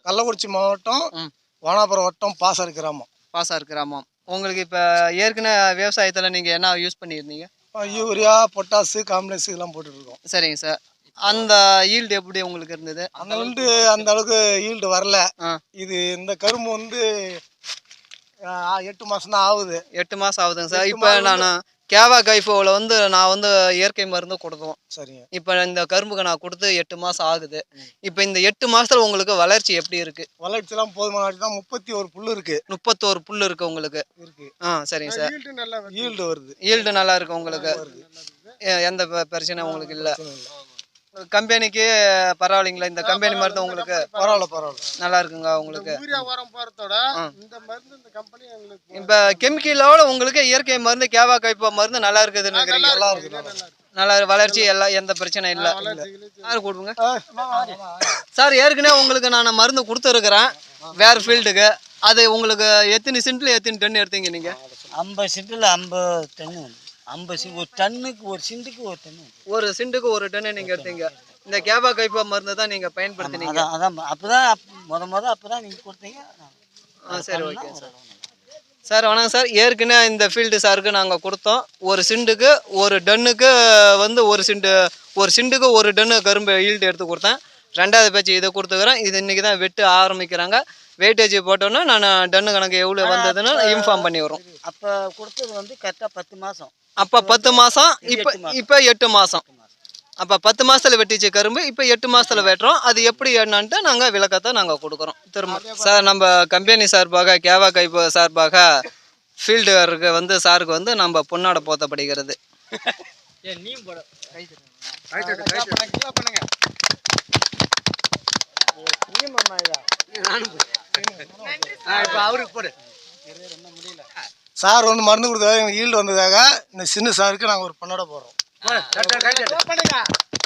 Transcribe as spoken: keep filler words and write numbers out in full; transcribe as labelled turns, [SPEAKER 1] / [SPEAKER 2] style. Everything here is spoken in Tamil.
[SPEAKER 1] கள்ளக்குறிச்சி மாவட்டம் வானாபுரம் வட்டம் பாசார் கிராமம்.
[SPEAKER 2] பாசார் கிராமம். உங்களுக்கு இப்போ ஏற்கனவே விவசாயத்தில் நீங்கள் என்ன யூஸ் பண்ணியிருந்தீங்க?
[SPEAKER 1] யூரியா, பொட்டாசு, காம்ப்ளெக்ஸ் இதெல்லாம் போட்டுருக்கோம்.
[SPEAKER 2] சரிங்க சார். அந்த ஈல்டு எப்படி உங்களுக்கு இருந்தது?
[SPEAKER 1] அந்த ஈல்டு அந்த அளவுக்கு ஈல்டு வரல. இது இந்த கரும்பு வந்து எட்டு மாதம் தான் ஆகுது.
[SPEAKER 2] எட்டு மாதம் ஆகுதுங்க சார். இப்போ நான் கேவா கைஃபோவில் வந்து நான் வந்து இயற்கை மருந்து கொடுத்தோம்.
[SPEAKER 1] சரிங்க.
[SPEAKER 2] இப்போ இந்த கரும்புக்கு நான் கொடுத்து எட்டு மாதம் ஆகுது. இப்போ இந்த எட்டு மாதத்தில் உங்களுக்கு வளர்ச்சி எப்படி இருக்குது?
[SPEAKER 1] வளர்ச்சிலாம் போதுமான தான். முப்பத்தி ஒரு புல் இருக்குது.
[SPEAKER 2] முப்பத்தோரு புல் இருக்குது உங்களுக்கு
[SPEAKER 1] இருக்குது.
[SPEAKER 2] ஆ சரிங்க சார்.
[SPEAKER 1] ஈல்டு வருது.
[SPEAKER 2] ஈல்டு நல்லா இருக்குது உங்களுக்கு. எந்த பிரச்சனை உங்களுக்கு இல்லை. கம்பெனிக்கு பரவாயில்லைங்களா? இந்த கம்பெனி மருந்து உங்களுக்கு
[SPEAKER 1] பரவாயில்ல பரவாயில்ல
[SPEAKER 2] நல்லா இருக்குங்க உங்களுக்கு.
[SPEAKER 1] இப்போ
[SPEAKER 2] இப்போ கெமிக்கலோட உங்களுக்கு இயற்கை மருந்து கேவா கைப்பா மருந்து நல்லா இருக்குதுன்னு
[SPEAKER 1] நல்லா இருக்கு.
[SPEAKER 2] நல்லா வளர்ச்சி எல்லாம் எந்த பிரச்சனையும் இல்லை. யார் கொடுங்க சார்? ஏற்கனவே உங்களுக்கு நான் மருந்து கொடுத்துருக்குறேன் வேறு ஃபீல்டுக்கு. அது உங்களுக்கு எத்தனை சென்ட்டில் எத்தனை டன் எடுத்தீங்க நீங்கள்?
[SPEAKER 3] ஐம்பது சென்ட்டில் ஐம்பது டன்னு. ஐம்பது சி ஒரு டன்னுக்கு ஒரு சிண்டுக்கு ஒரு டன்னு.
[SPEAKER 2] ஒரு சிண்டுக்கு ஒரு டன்னு நீங்கள் எடுத்தீங்க. இந்த கேவா கைப்பா மருந்து தான் நீங்கள் பயன்படுத்தினீங்க.
[SPEAKER 3] அதான் அதான் அப்போ தான் முத முத அப்போ தான் நீங்கள் கொடுத்தீங்க.
[SPEAKER 2] ஆ சரி ஓகே சார். சார் வணக்கம் சார். ஏற்கனவே இந்த ஃபீல்டு சாருக்கு நாங்கள் கொடுத்தோம். ஒரு சிண்டுக்கு ஒரு டன்னுக்கு வந்து ஒரு சிண்டு ஒரு சிண்டுக்கு ஒரு டன்னு கரும்பு ஈல்டு எடுத்து கொடுத்தேன். ரெண்டாவது பேச்சு இதை கொடுத்துக்கிறேன். இது இன்றைக்கி தான் வெட்டு ஆரம்பிக்கிறாங்க. வெயிட்டேஜ் போட்டோன்னா நான் டன்னு கணக்கு எவ்வளோ வந்ததுன்னு இன்ஃபார்ம் பண்ணி வரும்.
[SPEAKER 3] அப்போ கொடுத்தது வந்து கரெக்டாக பத்து மாதம்.
[SPEAKER 2] அப்போ பத்து மாதம். இப்போ இப்போ எட்டு மாதம். அப்போ பத்து மாதத்தில் வெட்டிச்சு கரும்பு. இப்போ எட்டு மாதத்தில் வெட்டுறோம். அது எப்படி என்னன்ட்டு நாங்கள் விளக்கத்தை நாங்கள் கொடுக்குறோம் திரும்ப. சார் நம்ம கம்பெனி சார்பாக கேவா கைப்பு சார்பாக ஃபீல்டுக்கு வந்து சாருக்கு வந்து நம்ம பொன்னாட போத்தப்படுகிறது.
[SPEAKER 1] சார் வந்து மருந்து கொடுத்ததாக எங்களுக்கு ஈல்டு வந்ததாக இந்த சின்ன சாருக்கு நாங்கள் ஒரு பொண்ணோட போகிறோம்.